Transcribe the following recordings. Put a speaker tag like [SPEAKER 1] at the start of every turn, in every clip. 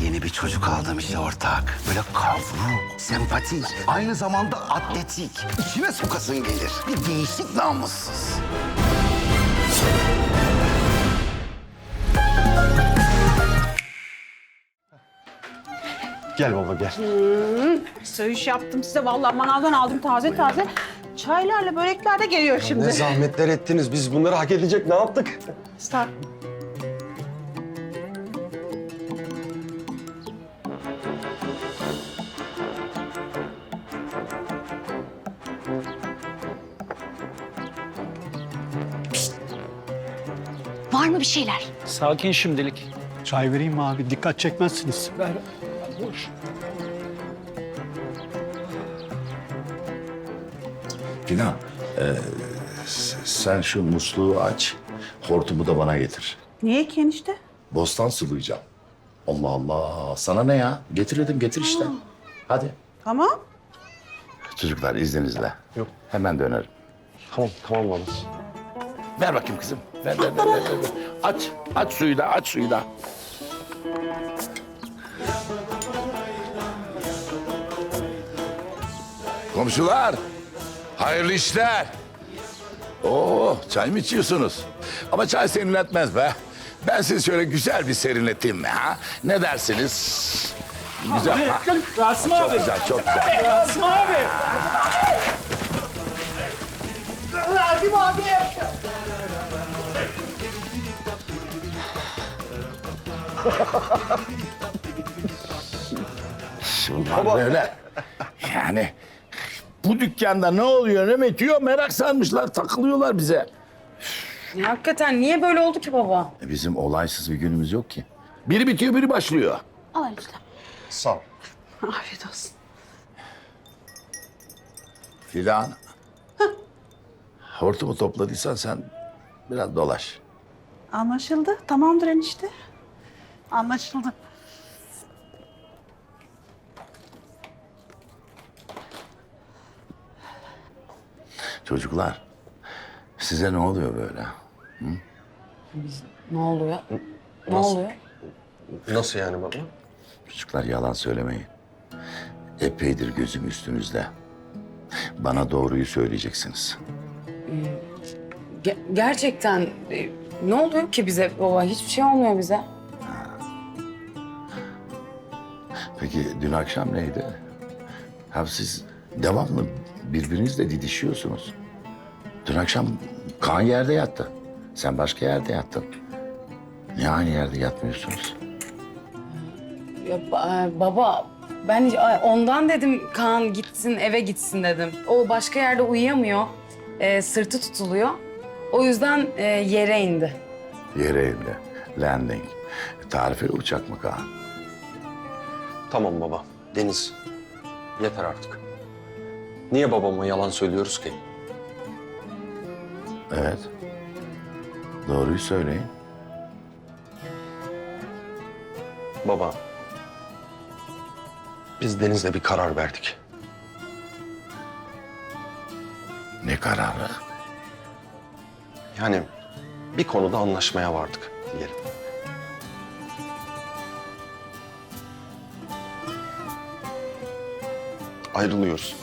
[SPEAKER 1] Yeni bir çocuk aldım işte ortak. Böyle kavruk, sempatik, aynı zamanda atletik. İçime sokasın gelir. Bir değişik namussuz.
[SPEAKER 2] Gel baba gel.
[SPEAKER 3] Söğüş yaptım size. Vallahi manavdan aldım taze taze. Çaylarla börekler de geliyor şimdi.
[SPEAKER 2] Ne zahmetler ettiniz. Biz bunları hak edecek ne yaptık?
[SPEAKER 3] Star.
[SPEAKER 4] Var mı bir şeyler?
[SPEAKER 5] Sakin şimdilik.
[SPEAKER 6] Çay vereyim mi abi? Dikkat çekmezsiniz.
[SPEAKER 5] Ver. Boş.
[SPEAKER 7] Fidan, sen şu musluğu aç, hortumu da bana getir.
[SPEAKER 3] Niye ki enişte?
[SPEAKER 7] Bostan sulayacağım. Allah Allah, sana ne ya? Getir dedim, getir işte. Hadi.
[SPEAKER 3] Tamam.
[SPEAKER 7] Çocuklar izninizle.
[SPEAKER 2] Yok.
[SPEAKER 7] Hemen dönerim.
[SPEAKER 2] Tamam baba.
[SPEAKER 7] Ver bakayım kızım. Ver. Aç suyu da, aç suyu da. Komşular, hayırlı işler. Oo, çay mı içiyorsunuz? Ama çay serinletmez be. Ben sizi şöyle güzel bir serinleteyim mi ha? Ne dersiniz? Güzel. Ha?
[SPEAKER 5] Rasim
[SPEAKER 7] Çok
[SPEAKER 5] abi.
[SPEAKER 7] güzel, çok güzel.
[SPEAKER 5] Rasim abi. Rasim abi.
[SPEAKER 7] Bunlar böyle. Yani bu dükkanda ne oluyor, ne bitiyor merak sarmışlar, takılıyorlar bize.
[SPEAKER 8] Ya hakikaten niye böyle oldu ki baba?
[SPEAKER 7] Bizim olaysız bir günümüz yok ki. Biri bitiyor, biri başlıyor.
[SPEAKER 3] Al enişte.
[SPEAKER 2] Sağ ol.
[SPEAKER 3] Afiyet olsun.
[SPEAKER 7] Fidan. Hortumu topladıysan sen biraz dolaş.
[SPEAKER 3] Anlaşıldı. Tamamdır enişte. Anlaşıldı.
[SPEAKER 7] Çocuklar, size ne oluyor böyle?
[SPEAKER 8] Ne oluyor? Ne oluyor?
[SPEAKER 2] Nasıl yani baba?
[SPEAKER 7] Çocuklar yalan söylemeyin. Epeydir gözüm üstünüzde. Bana doğruyu söyleyeceksiniz.
[SPEAKER 8] Gerçekten ne oluyor ki bize baba? Hiçbir şey olmuyor bize.
[SPEAKER 7] Peki dün akşam neydi? Ha siz devamlı birbirinizle didişiyorsunuz. Dün akşam Kaan yerde yattı. Sen başka yerde yattın. Niye aynı yerde yatmıyorsunuz?
[SPEAKER 8] Ya, baba ben ondan dedim Kaan gitsin eve gitsin dedim. O başka yerde uyuyamıyor. Sırtı tutuluyor. O yüzden yere indi.
[SPEAKER 7] Yere indi. Landing. Tarifeli uçak mı Kaan?
[SPEAKER 2] Tamam baba. Deniz. Yeter artık. Niye babama yalan söylüyoruz ki?
[SPEAKER 7] Evet. Doğruyu söyleyin.
[SPEAKER 2] Baba. Biz Deniz'le bir karar verdik.
[SPEAKER 7] Ne kararı?
[SPEAKER 2] Yani bir konuda anlaşmaya vardık diyelim. Ayrılıyoruz.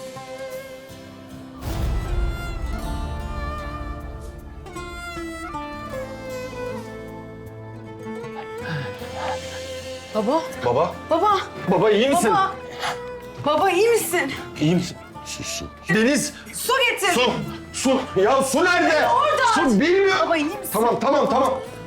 [SPEAKER 8] Baba,
[SPEAKER 2] Baba.
[SPEAKER 8] baba,
[SPEAKER 2] Baba iyi misin?
[SPEAKER 8] baba. Baba iyi misin?
[SPEAKER 2] İyi misin?
[SPEAKER 7] Sus.
[SPEAKER 2] Deniz.
[SPEAKER 8] Su getir.
[SPEAKER 2] Su. Ya su nerede?
[SPEAKER 8] Orada.
[SPEAKER 2] Su bilmiyor.
[SPEAKER 8] Baba iyi misin?
[SPEAKER 2] Tamam.